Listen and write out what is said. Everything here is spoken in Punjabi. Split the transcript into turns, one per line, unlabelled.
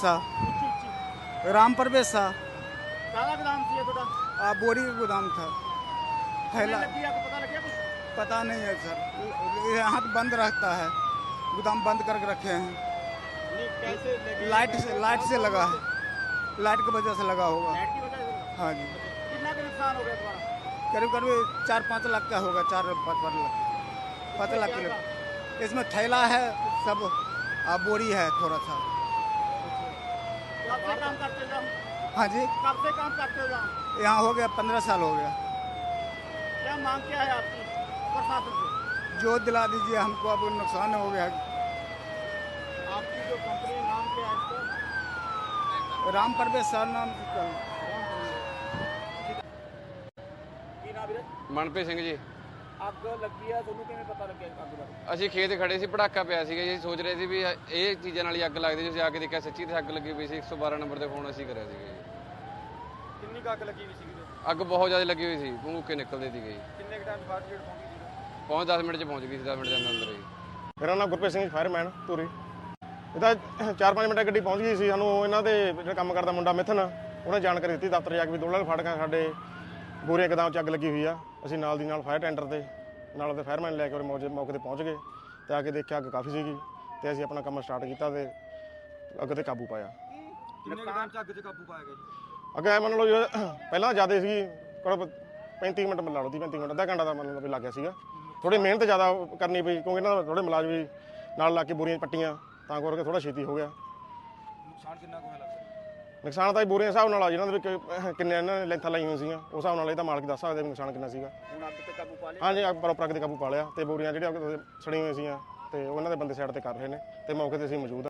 शाह, राम परवेश शाह।
ਕਾਹਦਾ ਗੋਦਾਮ ਸੀ ਇਹ ਤੁਹਾਡਾ?
बोरी का गोदाम था। थैला
ਲੱਗੀ ਅੱਗ पता लगे कुछ?
पता नहीं है सर, यहाँ तो बंद रहता है, गोदाम बंद करके रखे हैं।
नहीं कैसे लगी?
लाइट से लगा है, लाइट की वजह से लगा होगा।
लाइट की वजह से?
हाँ जी,
कितना का नुकसान हो गया तुम्हारा?
करीब करीब 4-5 लाख का होगा, 4-5 लाख
क्या
का। इसमें थैला है सब, बोरी है थोड़ा सा।
कब से काम करते हो?
हाँ जी,
कब से काम करते हो यहाँ?
यहाँ हो गया 15 साल हो गया।
क्या मांग क्या है आपकी प्रशासन से?
जो दिला दीजिए हमको, अब नुकसान हो गया।
आपकी जो कंपनी नाम क्या है इसका?
राम परवेश सर नाम से।
ਕੀ ਨਾਮ ਵੀਰੇ?
ਮਨਪ੍ਰੀਤ ਸਿੰਘ ਜੀ।
ਅੱਗ ਲੱਗੀ ਆ, ਤੁਹਾਨੂੰ ਕਿਵੇਂ ਪਤਾ ਲੱਗਿਆ ਅੱਗ ਦਾ?
ਅਸੀਂ ਖੇਤ ਖੜੇ ਸੀ, ਪਟਾਕਾ ਪਿਆ ਸੀਗਾ ਜੀ। ਸੋਚ ਰਹੇ ਸੀ ਵੀ ਇਹ ਚੀਜ਼ਾਂ ਨਾਲ ਹੀ ਅੱਗ ਲੱਗਦੀ। ਅਸੀਂ ਆ ਕੇ ਦੇਖਿਆ ਸੱਚੀ ਤੇ ਅੱਗ ਲੱਗੀ ਪਈ ਸੀ। 112 ਨੰਬਰ ਤੇ ਫੋਨ ਅਸੀਂ ਕਰਿਆ ਸੀਗਾ ਜੀ।
ਕਿੰਨੀ ਕੁ ਅੱਗ ਲੱਗੀ ਹੋਈ ਸੀਗੀ?
ਅੱਗ ਬਹੁਤ ਜ਼ਿਆਦਾ ਲੱਗੀ ਹੋਈ ਸੀ, ਭੂਕੇ ਨਿਕਲਦੇ ਸੀਗੇ ਜੀ।
ਕਿੰਨੇ ਕੁ ਟਾਈਮ ਫਾਇਰ ਬ੍ਰਿਗੇਡ ਪਹੁੰਚੀ ਸੀ?
ਪਹੁੰਚ 10 ਮਿੰਟ 'ਚ ਪਹੁੰਚ ਗਈ ਸੀ, 10 ਮਿੰਟ ਦੇ ਅੰਦਰ ਹੀ।
ਮੇਰਾ ਨਾਮ ਗੁਰਪ੍ਰੀਤ ਸਿੰਘ, ਫਾਇਰਮੈਨ ਧੂਰੀ। ਇਹਦਾ 4-5 ਮਿੰਟ ਗੱਡੀ ਪਹੁੰਚ ਗਈ ਸੀ। ਸਾਨੂੰ ਇਹਨਾਂ ਦੇ ਜਿਹੜਾ ਕੰਮ ਕਰਦਾ ਮੁੰਡਾ ਮਿਥਨ, ਉਹਨੇ ਜਾਣਕਾਰੀ ਦਿੱਤੀ ਦਫ਼ਤਰ ਜਾ ਕੇ ਵੀ ਦੋਲਾਂ ਫਾਟਕਾਂ ਸਾਡੇ ਬੋਰੀਆਂ ਗੋਦਾਮ 'ਚ ਅੱਗ ਲੱਗੀ ਹੋਈ ਆ। ਅਸੀਂ ਨਾਲ ਦੀ ਨਾਲ ਫਾਇਰ ਟੈਂਡਰ ਤੇ ਨਾਲ ਉਹਦੇ ਫਾਇਰਮੈਨ ਲੈ ਕੇ ਉਹਦੇ ਮੌਕੇ ਤੇ ਪਹੁੰਚ ਗਏ ਤੇ ਆ ਕੇ ਦੇਖਿਆ ਅੱਗ ਕਾਫੀ ਸੀਗੀ ਤੇ ਅਸੀਂ ਆਪਣਾ ਕੰਮ ਸਟਾਰਟ ਕੀਤਾ ਤੇ ਅੱਗ ਤੇ ਕਾਬੂ ਪਾਇਆ।
ਕਿੰਨੇ ਕੁ ਟਾਈਮ 'ਚ ਅੱਗ 'ਚ ਕਾਬੂ ਪਾਇਆ ਗਿਆ ਜੀ?
ਅੱਗੇ ਮੰਨ ਲਓ ਜੋ ਪਹਿਲਾਂ ਜ਼ਿਆਦਾ ਸੀਗੀ, ਕੋਲ 35 ਮਿੰਟ ਲਾ ਲਓ, 35 ਮਿੰਟ, ਅੱਧਾ ਘੰਟਾ ਦਾ ਮੰਨ ਲਓ ਵੀ ਲੱਗ ਗਿਆ ਸੀਗਾ। ਥੋੜੀ ਮਿਹਨਤ ਜ਼ਿਆਦਾ ਕਰਨੀ ਪਈ ਕਿਉਂਕਿ ਇਹਨਾਂ ਦਾ ਥੋੜੇ ਮੁਲਾਜ਼ਮ ਵੀ ਨਾਲ ਲਾ ਕੇ ਬੋਰੀਆਂ ਪੱਟੀਆਂ, ਤਾਂ ਕਰਕੇ ਥੋੜਾ ਛੇਤੀ ਹੋ ਗਿਆ।
ਨੁਕਸਾਨ ਕਿੰਨਾ ਕੁ ਹੋਇਆ ਲੱਗਦਾ?
ਨੁਕਸਾਨ ਤਾਂ ਬੋਰੀਆਂ ਹਿਸਾਬ ਨਾਲ ਆ, ਜਿਹਨਾਂ ਦੇ ਵਿੱਚ ਕਿੰਨੇ ਇਹਨਾਂ ਨੇ ਲੈਂਥਾਂ ਲਾਈਆਂ ਹੋਈਆਂ ਸੀਗੀਆਂ, ਉਸ ਹਿਸਾਬ ਨਾਲ ਇਹ ਤਾਂ ਮਾਲਕ ਦੱਸ ਸਕਦੇ ਵੀ ਨੁਕਸਾਨ ਕਿੰਨਾ ਸੀਗਾ।
ਹੁਣ ਅੱਗ ਤੇ ਕਾਬੂ ਪਾ ਲਿਆ?
ਹਾਂਜੀ, ਪ੍ਰੋਪਰ ਅੱਗ ਤੇ ਕਾਬੂ ਪਾ ਲਿਆ ਤੇ ਬੋਰੀਆਂ ਜਿਹੜੀਆਂ ਸੜੀਆਂ ਹੋਈਆਂ ਸੀਗੀਆਂ ਤੇ ਉਹਨਾਂ ਦੇ ਬੰਦੇ ਸਾਈਡ ਤੇ ਕਰ ਰਹੇ ਨੇ ਤੇ ਮੌਕੇ ਤੇ ਅਸੀਂ ਮੌਜੂਦ ਹਾਂ।